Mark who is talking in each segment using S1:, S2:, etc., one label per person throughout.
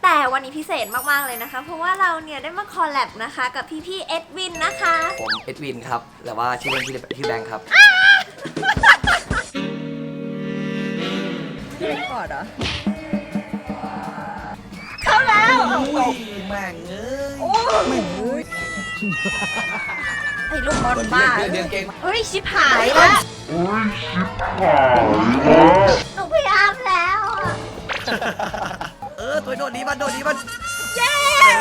S1: แต่วันนี้พิเศษมากๆเลยนะคะเพราะว่าเราเนี่ยได้มาคอลแลบนะคะกับพี่เอ็ดวินนะคะ
S2: ผมเอ็ดวินครับแต่ว่าชื่อเล่นชื่อแบงค์ครับ
S1: พี่เล็กก่อนเหรอเข้าแล้ว
S2: แม่งเอ้ย
S1: แม่งเอ้ยไอ้ลูกบอลบ้าเฮ้ยชิบหายแล้วหนูพยายามแล้ว
S2: ตัวโดดนี้มัน
S1: เย้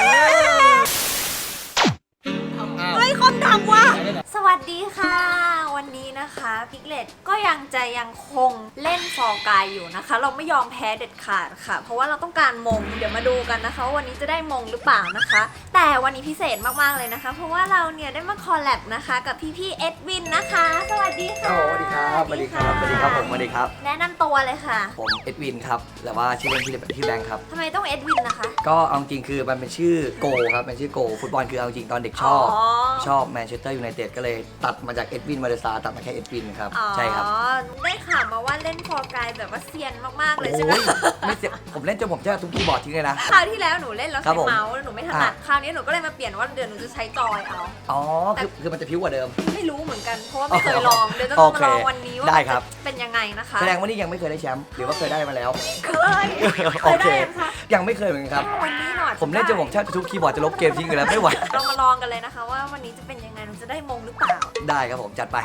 S1: เฮ้ยคอมทำว่ะสวัสดีค่ะวันนี้นะคะพิกเลตก็ยังคงเล่นฟอร์กายอยู่นะคะเราไม่ยอมแพ้เด็ดขาดค่ะเพราะว่าเราต้องการมงเดี๋ยวมาดูกันนะคะวันนี้จะได้มงหรือเปล่านะคะแต่วันนี้พิเศษมากๆเลยนะคะเพราะว่าเราเนี่ยได้มาคอลแลบนะคะกับพี่เอ็ดวินนะคะสวัสดีค่ะ
S2: สวัสดีครับสวัสดีครับผมสวัสดีครับ
S1: แนะนำตัวเลยค่ะ
S2: ผมเอ็ดวินครับแต่ว่าชื่อเล่นชื่อแบงค์ครับ
S1: ทำไมต้องเอ็ดวินนะคะ
S2: ก็เอาจริงคือมันเป็นชื่อโกครับเป็นชื่อโกฟุตบอลคือเอาจริงตอนเด็กชอบแมนเชสเตอร์ยูไนเต็ดก็เลยตัดมาจากเอ็ดวินมาเลซาตัดมาแค่เอ็ดวินครับใช่ครับ
S1: ได้ข่าวมาว่าเล่นฟอร์กายแบบว่าเซียนมากๆเลยใช่ไหม
S2: ไม่เสียผมเล่นจนผมจะทุกคีย์บอร์ดทิ้งเลยนะ
S1: คราวที่แล้วหนูเล่นแล้วใช้เมาส์แล้วหนูไม่ถนัดคราวนี้หนูก็เลยมาเปลี่ยนว่าเดี๋ยวหนูจะใช้จอยเอา
S2: คือมันจะพิ้วกว่าเดิม
S1: ไม่รู้เหมือนกันเพราะว่าไม่เคยลองเดี๋ยวจะมาลองวันนี้ว่าเป็นยังไงนะคะ
S2: แสดงว่านี่ยังไม่เคยได้แชมป์หรือว่าเคยได้มาแล้ว
S1: เคยได้ค่ะ
S2: ยังไม่เคยเหมือนกันครับ
S1: วันนี้หน่อย
S2: ผมเล่นจนผมแทบทุกคีย์บอร์ดจะลบเกมทิ้งเลยแล้วไม่ไหว
S1: เรามาลองกันเลยนะคะว่าวันนี้จะเป็นยังไงหนูจะได้มงหรือเปล่า
S2: ได้ครับผมจัดไป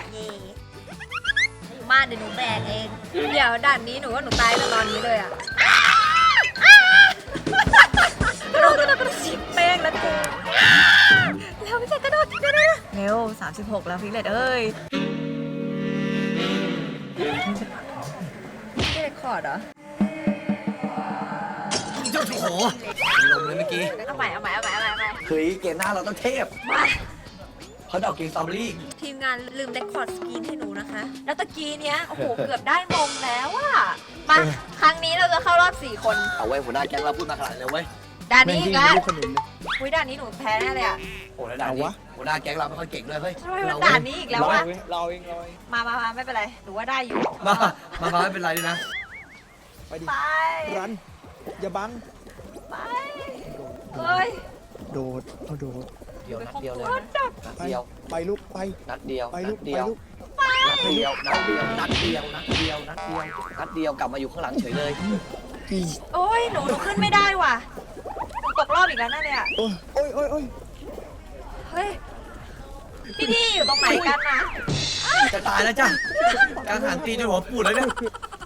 S1: มาเดี๋ยวหนูแบกเองเดี๋ยวด่านนี้หนูว่าหนูตายตอนนี้เลยอ่ะกระโดดสิบแป้งแล้วกูแล้วไม่ใช่กระโดดเร็ว36แล้วพี่เลดเอ้ยไม่ได้คอร์ดเหรอ
S2: โอ้โหลมเลยเมื่อกี้
S1: เอาใหม่
S2: เฮ้ยเกมหน้าเราต้องเทพเขาดอกกินสตรอเบอรี่
S1: ทีมงานลืมเรคคอร์ดสกรีนให้หนูนะคะแล้วตะกี้เนี้ยโอ้โหเกือบได้มงแล้วอะมาครั้งนี้เราจะเข้ารอบ4คน
S2: เอาไว้หัวหน้าแก๊งเราพูดมาขนาดเลยเว้ย
S1: ด่านนี้อีกแล้วอุ้ยด่านนี้หนูแพ้แน่เลยอะ
S2: โอ้แล้วด่านนี้หัวหน้าแก๊งเราไม่ค่อยเก่งด้วยเฮ้ย
S1: ทำไมมันด่านนี้อีกแล้ววะ
S3: เราเอง
S1: มาไม่เป็นไรหนูว่าได้อยู่
S2: มาไม่เป็นไรเลยนะ
S3: ไปดิรันอย่าบัง
S1: ไปเฮ้ย
S3: โดด
S2: เดียวนัดเดียวเลย
S3: ไปลูกไป
S2: นัดเดียว
S3: ไปลูก
S2: นัดเดียวกลับมาอยู่ข้างหลังเฉยเลย
S1: โอ้ยหนูขึ้นไม่ได้ว่ะหนูตกรอบอีกแล้วนั่นเนี่ย
S3: โอ้ย
S1: เฮ้ยพี่อยู่ตรงไหนกันนะ
S2: จะตายแล้วจ้ะการหันตีจนหัวปูดเลยเนี่ย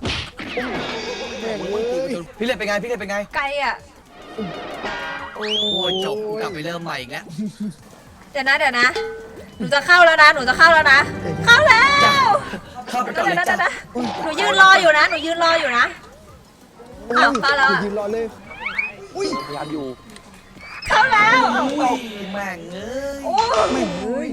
S2: พี่เล็กเป็นไง
S1: ไกลอ่ะ
S2: โอ้จบกลับไปเริ่มใหม่อีกแล้ว
S1: เดี๋ยวนะหนูจะเข้าแล้วนะเข้าแล้ว
S2: เข้าไปก่อนเลยจ้ะ
S1: หนูยืนรออยู่นะอ้าวเข้าแล้ว
S3: ยืนรอเลย
S2: อุ้ยพยายามอยู่
S1: เข้าแล้ว
S2: แม่งเอ้ย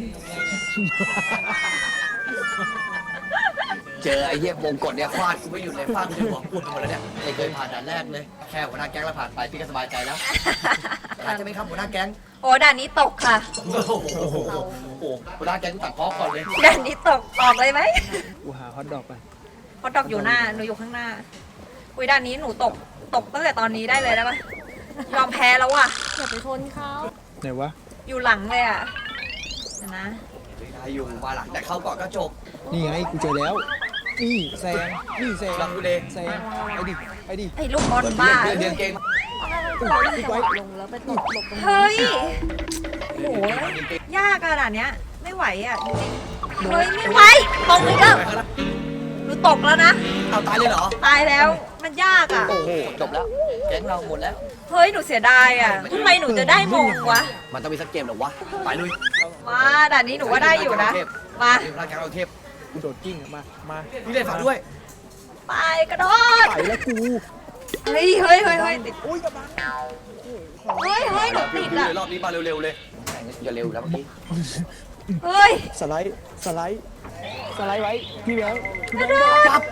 S2: เจอไอ้เหี้ยวงกดเนี่ยฟาดกูไม่หยุดเลยฟาดจนหัวปูดไปหมดแล้วเนี่ยไม่เคยผ่านด่านแรกเลยแค่หัวหน้าแก๊งเราผ่านไปพี่ก็สบายใจแล้วผ่านจะไม่ครับหัวหน้าแก๊ง
S1: โอ้ด่านนี้ตกค่ะ
S2: โอ้โหหัวหน้าแก๊งตัดพ้อก่อนเลย
S1: ด่านนี้ตกออกเลยไหม
S3: กูหาฮอตดอกไป
S1: ฮอตดอกอยู่หน้าหนูอยู่ข้างหน้าคุยด่านนี้หนูตกตั้งแต่ตอนนี้ได้เลยได้ปะยอมแพ้แล้วว่ะอย่าไปชนเขา
S3: ไหนวะ
S1: อยู่หลังเลยอ่ะนะ
S2: ได้อยู่มาหลังแต่เข้าก่อนก็จบ
S3: นี่ไงกูเจอแล้วนี่แซง
S2: หลังกูเลย
S3: แซงไปดิ
S1: ไอ้ลูกบอลบ้า
S2: เดือนเกม
S1: ลงแล้วไปตกเฮ้ยโหยากขนาดเนี้ยไม่ไหวอ่ะจริงๆเฮ้ยไม่ไหวตกอีกแล้วหนูตกแล้วนะ
S2: เอาตายเลยเหรอ
S1: ตายแล้วมันยากอ่ะ
S2: โอ้โหจบแล้วแก๊งเราหมดแล้ว
S1: เฮ้ยหนูเสียดายอ่ะทำไมหนูจะได้มงวะ
S2: มันต้องมีสักเกมหรอวะไปลุย
S1: มาด่านนี้หนูว่าได้อยู่นะมา
S2: ร่างกายเราเทพ
S3: กูโดดกิ้งมา
S2: พี่เล่นฝาด้วย
S1: ไปกระโดด
S3: ไปแล้วกู
S1: เฮ้ยติด
S3: อุ้ยกระบัง
S1: เฮ้ยหนูติดอ่ะ
S2: รอบนี้มาเร็วๆเลยอย่าเร็วแล้วเมื่อกี้
S1: เฮ้ย
S3: สไลด์ไว้พี่แบงค์
S2: จับ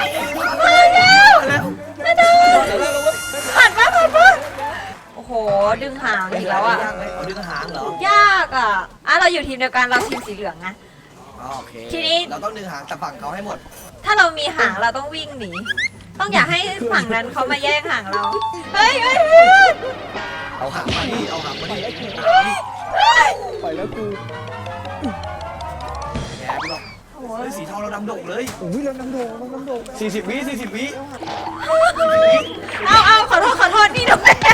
S1: ผ่านปะโอ้โหดึงหางอีกแล้วอ่ะ
S2: ดึงหางเหรอย
S1: ากอ่ะเราอยู่ทีมเดียวกันเราทีมสีเหลืองนะ
S2: โอเค
S1: ทีนี้
S2: เราต้องดึงหางแต่ฝั่งเขาให้หมด
S1: ถ้าเรามีหางเราต้องวิ่งหนีต้องอย่าให้ฝั่งนั้นเขามาแย่งหางเราเฮ้ย
S3: โอ้ยแล้วน้ำโด่ง
S2: 40 วิ40 วิ
S1: เอาขอโทษนี่หนูเอง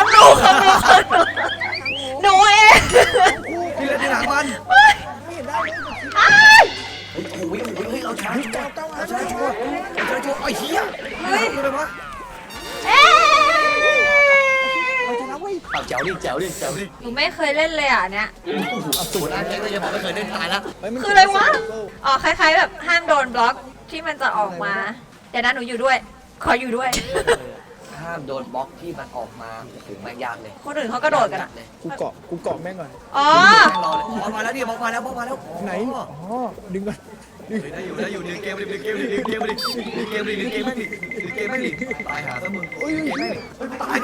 S1: หนูเอง
S2: พี่เล่นที่หลังมัน
S3: ไม่เห็นได้เลย
S2: โอ้โหเราชนะชัวร์ไอ้เหี้ยดูเลยวะ
S3: เราชนะเว้ย
S2: แจ๋วดิ
S1: หนูไม่เคยเล่นเลยอ่ะเนี้ย
S2: สูตรอันนี้ก็จะบอกไม่เคยเล่นตายแล้ว
S1: คืออะไรวะอ๋อคล้ายๆแบบห้ามโดนบล็อกที่มันจะออกมาเดี๋ยวนะหนูอยู่ด้วย ขออยู่ด้วย
S2: ห้ามโดนบล็อกที่มันออกมาโอ้โหแม่งยากเลย
S1: คนอื่นเขากระโดดกันอ่ะ
S3: กูเกาะแม่งก่อน
S1: อ๋อ
S2: รอเลยบล็อกมาแล้วดิบล็อกมาแล้ว
S3: ไหนอ๋อดึงก่อนดึง
S2: ได้อยู่ดึงเกมดิตายหาซะมึงตาย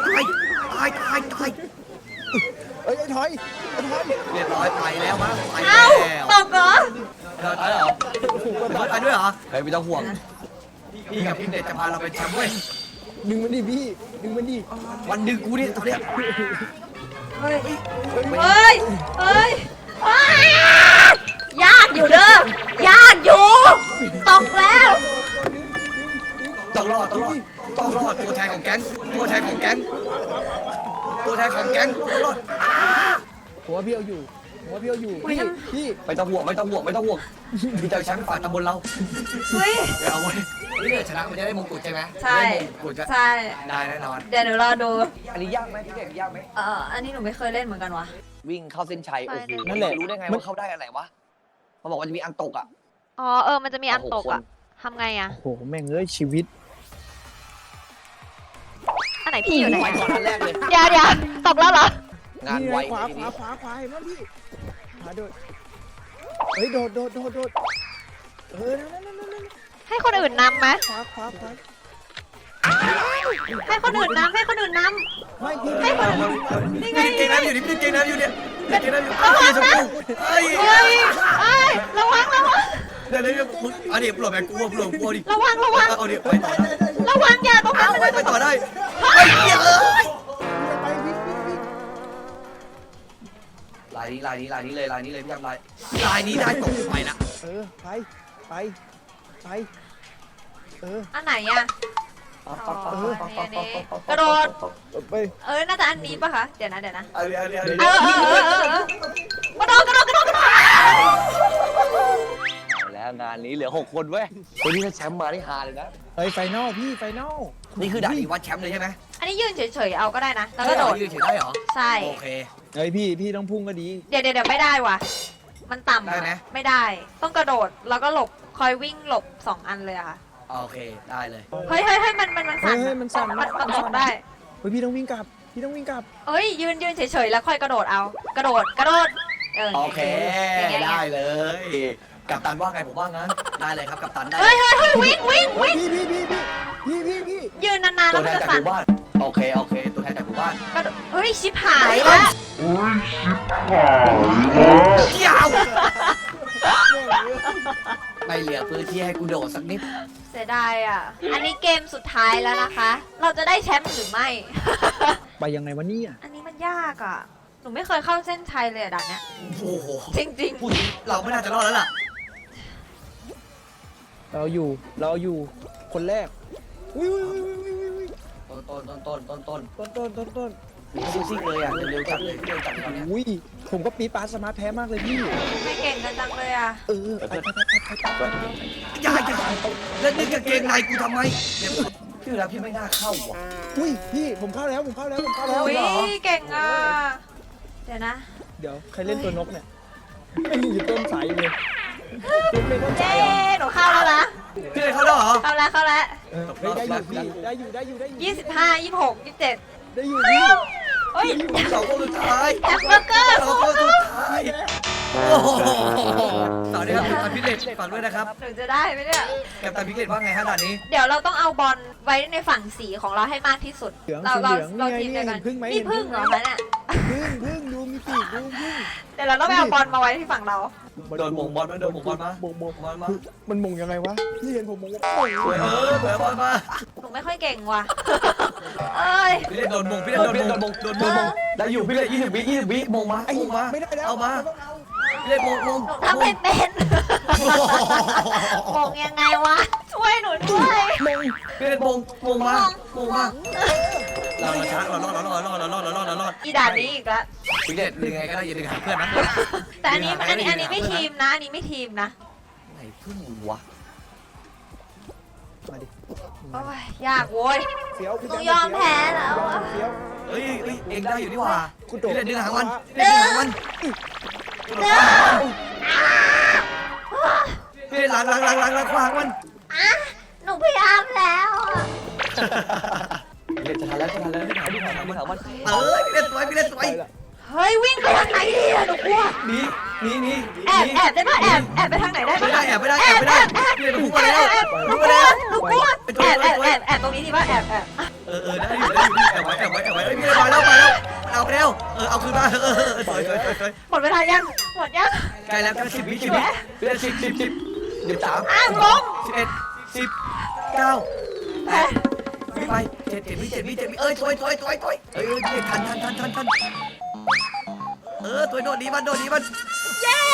S3: เอ้ยไอ้ถอย
S2: เรียบร้อยตายแล้วมั้งตาย
S1: เอ้า
S2: แล้ว
S1: ตกเหรอ
S2: ตายเหรอตายด้วยเหรอเฮ้ยไม่ต้องห่วงพี่กับพี่เด็ดจะพาเราไปแชมป์เว้ย
S3: ดึงมันดิพี่ดึงมันดิ
S2: วันดึงกูเนี่ยตอนเนี้ย
S1: เฮ้ยยากอยู่เด้อยากอยู่ตกแล้ว
S2: ต้องรอดตัวแทนของแก๊งรอด
S3: ผมว่าพี่เอาอยู่พี่
S2: ไม่ต้องห่วงพี่จะแชมป์ฝ่ายตำบลเรา
S1: เฮ้ย
S2: เดี๋ยวเอาไว้นี่เดี๋ยวชนะมันจะได้มงกุฎใช่ไหม
S1: ใช่
S2: ได้มงกุฎ
S1: ใช่
S2: ได้แน่นอน
S1: เดี๋ยวหนูรอดู
S2: อันนี้ยากไหมพี่เด็กยากไหม
S1: อันนี้หนูไม่เคยเล่นเหมือนกันวะ
S2: วิ่งเข้าเส้นชัยโอ้โห
S3: นั่นแหละ
S2: รู้ได้ไงว่าเข้าได้อะไรวะมันบอกว่าจะมีอันตกอ่ะ
S1: มันจะมีอันตกอ่ะทำไงอ่ะ
S3: โอ้โหแม่งเอ้ยชีวิต
S1: อันไหนพี่อยู่ไหน
S2: ไปก่อนอันแรกเลย
S1: เดี๋ยวตกแล้วเหรอ
S2: งานไว
S3: ขวา
S2: ทีนี้
S3: เห็นไหมพี่ขวาโดดเฮ้ยโดดนั่น
S1: ให้คนอื่นนำไหม
S3: ขวา
S1: ให้คนอื่นนำ
S3: ไม่พี่
S1: ให้คนอื่นนี่ไง
S2: เก่งน้ำอยู่นี่เก่งน้ำอยู่เนี่ยเก่งน้ำอยู่
S1: ระวังนะ
S2: เฮ้ย
S1: ระวัง
S2: เดี๋ยวมึงอันนี้ปลดแบงกูปลดกูดิ
S1: ระวัง
S2: เอาดิไปต่อได้
S1: ระวังอย่าตรงนั้น
S2: ไปต่อได้ไอ้เหี้ยเอ้ย
S3: ไปวิ่ง
S2: ลายนี้เลยพี่ทำลายนี้ได้ตกไปนะ
S3: ไป
S1: อันไหนอ่ะกระโดด
S3: ไป
S1: น่าจะอันนี้ป่ะคะ เดี๋ยวนะ
S2: เอาดิ
S1: กระโดด
S2: เอาแล้วงานนี้เหลือ6 คนเว้ยวันนี้ถ้าแชมป์มาได้ฮาเลยนะ
S3: เฮ้ยไฟนอลพี่ไฟนอล
S2: นี่คือด่านวัดแชมป์เลยใช่ไหม
S1: อันนี้ยืนเฉยๆเอาก็ได้นะ แล้วก็โดด
S2: ยืนเฉยได้เหรอ
S1: ใช่
S2: โอเค
S3: เฮ้ยพี่ต้องพุ่งก็ดี
S1: เดี๋ยวไม่ได้ว่ะ มันต่ำ
S2: ได้ไหม
S1: ไม่ได้ ต้องกระโดด แล้วก็หลบ คอยวิ่งหลบ2 อันเลยอะค่ะ
S2: โอเคได้เลย
S1: เฮ้ยมันสั่น
S3: เฮ้ยมันสั่น
S1: มันตกได้
S3: เฮ้ยพี่ต้องวิ่งกลับ
S1: เอ้ยยืนเฉยๆแล้วค่อยกระโดดเอา กระโดด
S2: โอเค
S1: อย่างเงี้ย
S2: ได้เลยกัปตันว่าไงผมว่างั้นได้เลยครับกัปตันได้
S1: เฮ้ยวิ่ง
S3: พี่
S1: ยืนนานๆ
S2: ตั
S1: แล้ว ว
S2: แท
S1: มัน
S2: น
S1: จะ
S2: จากห
S1: สั่น
S2: มู่บ้านโอเคตัวแทนจากหมู่บ้าน
S1: กระโดดเฮ้ยชิบหายแล้ว
S2: ยาวไม่เหลือพื้นที่ให้กูโดดสักนิด
S1: เสียดายอ่ะ อันนี้เกมสุดท้ายแล้วนะคะ เราจะได้แชมป์หรือไม่
S3: ไปยังไงวะเนี่ย
S1: อันนี้มันยากอ่ะ หนูไม่เคยเข้าเส้นชัยเลยอะด่านเนี้ย
S2: โอ้โห
S1: จริง
S2: พูดจริงเราไม่น่าจะรอดแล้วล่ะ
S3: เราอยู่คนแรกอุ้ย
S2: ต้นมีซิ่งเลยอ่ะเร็วจัดเลยตอนนี้
S3: อุ้ยผมก็ปี๊ดปาสมาร์ทแพ้มากเลยพี่
S1: ๆ ไม่เก่งกันจังเลยอ่ะ
S3: ไป
S2: อย่าแล้วนี่กางเกงในกูทำไมพี่แล้วพี่ไม่น่าเข้าว่ะ
S3: อุ้ยพี่ผมเข้าแล้ว
S1: อุ้ยเก่งอ่ะ เดี๋ยวนะ
S3: เดี๋ยวใครเล่นตัวนกเนี่ยไม่มีอยู่ต้นสายเลยเป็นต้นสา
S1: เย้
S3: ยเหรอ
S1: หนูเข้าแล้วนะ
S2: พี่เลยเข้าแล้วเหรอ
S1: เข้าแล้ว
S3: ได้อยู่พี่ได้อยู่
S1: 25 26 27
S3: ได้อยู่พี่
S1: เฮ้ย
S2: สองคนสุดท้าย
S1: แฮมเบอร์เกอร์
S2: สองคนสุดท้ายโอ้โหสวัสดีครับกัปตันพิเรศฝากด้วยนะครับ
S1: หนูจะได้ไหมเนี่ย
S2: กัปตันพิเรศว่าไงฮะด่านนี้
S1: เดี๋ยวเราต้องเอาบอลไว้ในฝั่งสีของเราให้มากที่สุด
S3: เหลือง
S1: เรา
S3: สีเหลือง
S1: เรา
S3: นี่
S1: ทีม
S3: ไง
S1: เดียวกัน
S3: เห็นพึ่งไหม
S1: นี่พึ่งเหรอคะเนี่ย
S3: พึ่งดูมีปีกดูพึ่ง
S1: เดี๋ยวเราต้องไปเอาบอลมาไว้ที่ฝั่งเรา
S2: โดนมงบอลมาโดนมงบอลมา
S3: บง
S2: บอลมา
S3: มันมงยังไงวะพี่เห็นผมมงว่า
S2: สวยสวยบอลมา
S1: หนูไม่ค่อยเก่งว่ะ เอ้ย
S2: พี่เล่นโดนมงพี่เล่นโดนมงได้อยู่พี่เล่น20 วิมงมา
S3: ไอ้
S2: มงมา
S3: ไม่ได้แล้ว
S2: เอามา
S3: ต้องเอา
S1: เ
S2: พี่เล็กมง
S1: หนูทำไม่เป็นมงยังไงวะ ช่วยหนูด้วย
S2: พี่เล็กมงมาเราช้าเรารอด
S1: อีด่านนี้อีกแล้ว
S2: พี่เล็กยังไงก็ได้อย่าดึงหาเพื่อนนะ
S1: แต่อันนี้ไม่ทีมนะ อันนี้ไม่ทีมนะ
S2: ไหนเพิ่งวะ
S3: มาดิ
S1: โอ้ยยากโว้ย
S3: เฟี้ยว
S1: หนูยอมแพ้แล้วอะ
S3: เฟี้ยว
S2: เฮ้ยเองได้อยู่นี่หว่า
S3: คุณโดด
S2: พี่เล็กดึงหางมันพี่เล็กดึงหางมันพี่เล็กหลังขวางมัน
S1: อ่ะหนูพยายามแล้วอะ
S2: พี่เล็กจะทันแล้วพี่หางมันพี่เล็กสวย
S1: เฮ้ยวิ่งไปทางไหนดีอะหนูกลัว
S2: หนี
S1: แอบได้ปะแอบไปทางไหนได้ปะ
S2: ไม่ได้พี่เล็กพุ่งมาแล้ว
S1: หนูกลัวแอบตรงนี้ดีปะแอบ
S2: ได้อยู่แอบไว้พี่เล็กมาแล้วเอาไปแล้วเอาคืนมาสวย
S1: หมดเวลายังหมดยัง
S2: ใกล้แล้ว10 วิพี่เล็ก10 13
S1: อ้าวลง
S2: 11 10 9 8ไป7 วิสวยทันตัวโดดดีมัน
S1: เย้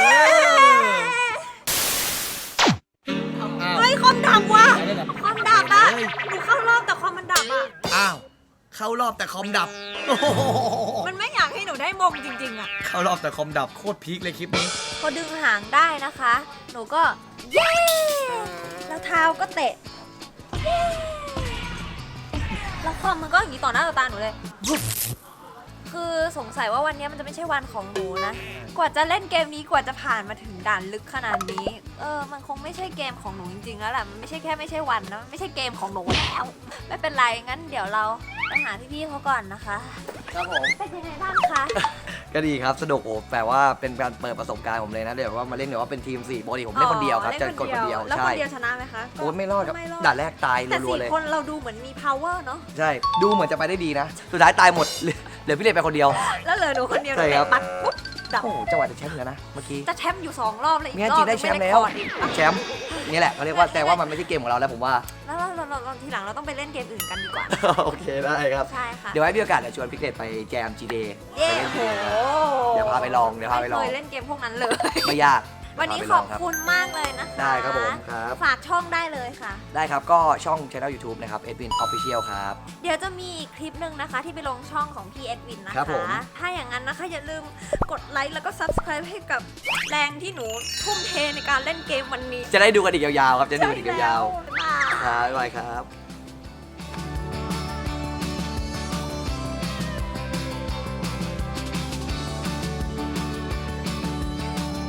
S1: เฮ้ยคอมดับว่ะคอมดับอ่ะหนูเข้ารอบแต่คอมมันดับอ่ะ
S2: อ้าวเข้ารอบแต่คอมดับ
S1: มันไม่อยากให้หนูได้มงจริงๆอ่ะ
S2: เข้ารอบแต่คอมดับโคตรพีคเลยคลิปนี้
S1: พอดึงหางได้นะคะ หนูก็เย้แล้วเท้าก็เตะเย้แล้วคอมมันก็อย่างนี้ต่อหน้าต่อตาหนูเลยคือสงสัยว่าวันนี้มันจะไม่ใช่วันของหนูนะ กว่าจะเล่นเกมนี้กว่าจะผ่านมาถึงด่านลึกขนาดนี้ มันคงไม่ใช่เกมของหนูจริงๆแล้วแหละมันไม่ใช่วันนะมันไม่ใช่เกมของหนูแล้ว ไม่เป็นไรงั้นเดี๋ยวเราไปหาพี่ๆเขาก่อนนะคะ
S2: ครับผม
S1: เป็นยังไงบ้างคะ
S2: ก็ดีครับสนุกโอ้แปลว่าเป็นการเปิดประสบการณ์ผมเลยนะเดี๋ยวว่ามาเล่นเดี๋ยวว่าเป็นทีม4ปกติผมเล่นคนเดียวครับจะกดคนเดียว
S1: แล้ว
S2: ใช่
S1: คนเดียวชนะไหมคะ
S2: โอ้ไม่รอดครับ
S1: ไม่รอด
S2: ด่านแรกตาย
S1: แต่
S2: รัวๆเลย
S1: 4 คนเราดูเหมือนมี power เนาะ
S2: ใช่ดูเหมือนจะไปได้ดีนะ สุดท้ายตายหมดเหลือพี่เล็กไปคนเดียว
S1: แล้วเหลือหนูคนเดียว
S2: ใช่ครับ
S1: ปัดปุ๊บดับ
S2: โอ้จังหวะจะแชมป์อยู่แล้วนะเมื่อกี้
S1: จะแชมป์อยู่2 รอบเลยอีก
S2: เนี่ย
S1: ร
S2: จ
S1: อ
S2: ริ
S1: บ
S2: งได้แชมป์
S1: ไม่
S2: แล้ว
S1: คอร์ดอีก
S2: แชมป์นี่แหละเขาเรียกว่าแต่ว่ามันไม่ใช่เกมของเราแล้วผมว่า
S1: แล้วเราทีหลังเราต้องไปเล่นเกมอื่นกันดีกว่า
S2: โอเคได้ครับ
S1: ใช่ค่ะ
S2: เดี๋ยวไว้มีโอกาสเดี๋ยวชวนพี่เล็กไปแจม G Day
S1: เย้
S2: ไปเล่น
S1: โห
S2: G Day เดี๋ยวพาไปลอง
S1: ไม่เคยเล่นเกมพวกนั้นเลย
S2: ไม่ยาก
S1: วันนี้
S2: พาไป
S1: ข
S2: ล
S1: อง บ
S2: รับ
S1: คุณมากเลยนะคะ
S2: ได้ครับผมครับ
S1: ฝากช่องได้เลยค่ะ
S2: ได้ครับก็ช่อง Channel YouTube นะครับ Edwin Official ครับ
S1: เดี๋ยวจะมีอีกคลิปหนึ่งนะคะ ที่ไปลงช่องของพี่เอ็ดวินนะ
S2: ครั
S1: คะ
S2: บผม
S1: ถ้าอย่างนั้นนะคะอย่าลืมกดไลค์แล้วก็ subscribe ให้กับแรงที่หนูทุ่มเทในการเล่นเกมวันนี้
S2: จะได้ดูกันอีกยาวๆครับจะได้ดูกันอีกยาว
S1: ใช่แล้ว
S2: ๆครับบ๊ายบายครับ